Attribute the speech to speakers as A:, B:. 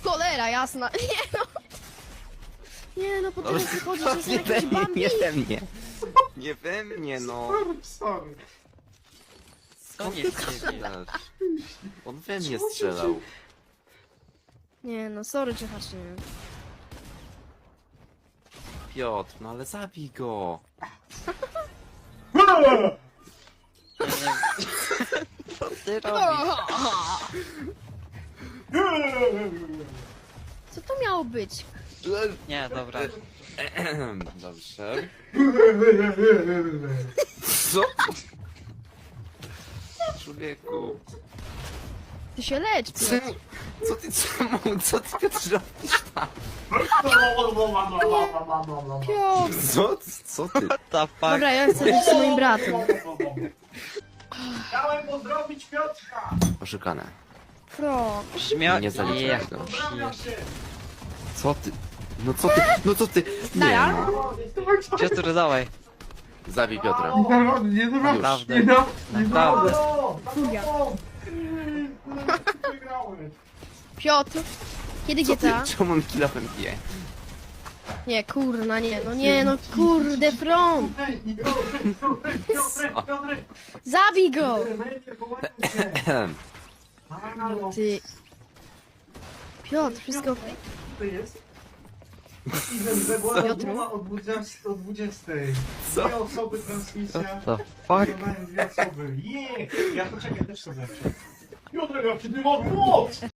A: Cholera jasna. Nie no. Nie no, po teraz wychodzi, że jestem
B: nie we
A: jakiś
B: mnie,
A: Bambi.
B: nie we mnie. Nie we mnie, no.
C: Sorry.
D: To nie z ciebie.
B: Strzelasz. On we mnie strzelał.
A: Nie no, sorry cię nie.
B: Piotr, no ale zabij go.
D: Co ty robisz?
A: Co to miało być?
D: Nie, dobra.
B: Dobrze. Co? Człowieku.
A: Ty się lecz, Piotr.
B: Co ty Piotr robisz tam?
A: Piotr.
B: Co ty?
D: What the fuck?
A: Dobra, ja chcę być z moim bratem.
C: Chciałem pozdrowić Piotrka!
B: Oszukane.
A: Pro.
D: Brzmiał...
B: Nie zaliczę
D: Ja.
B: tego.
C: Pozdrawiam się!
B: Co ty? No co ty? No co ty? Nie.
A: Dara?
D: Piotr, dawaj.
B: Zabij Piotra.
C: Nie
D: Naprawdę.
C: Nie
D: Naprawdę.
A: Furia.
C: Wygrałem!
A: Piotr. Kiedy
B: Co ty?
A: GTA?
B: Czemu on kilofem bije?
A: Nie, kurna, nie. No nie, no kurde, front.
C: Piotrek!
A: Zabij go.
C: Halo,
A: Ty. Piotr, wszystko...
C: to jest? Steven, była
A: Piotru?
C: rozmowa o 20. O 20.
B: Co?
C: Dwie osoby transmisja.
D: What the fuck?
C: Oglądają dwie osoby. Ja poczekaj, też sobie. Piotrek, jak ty masz moc!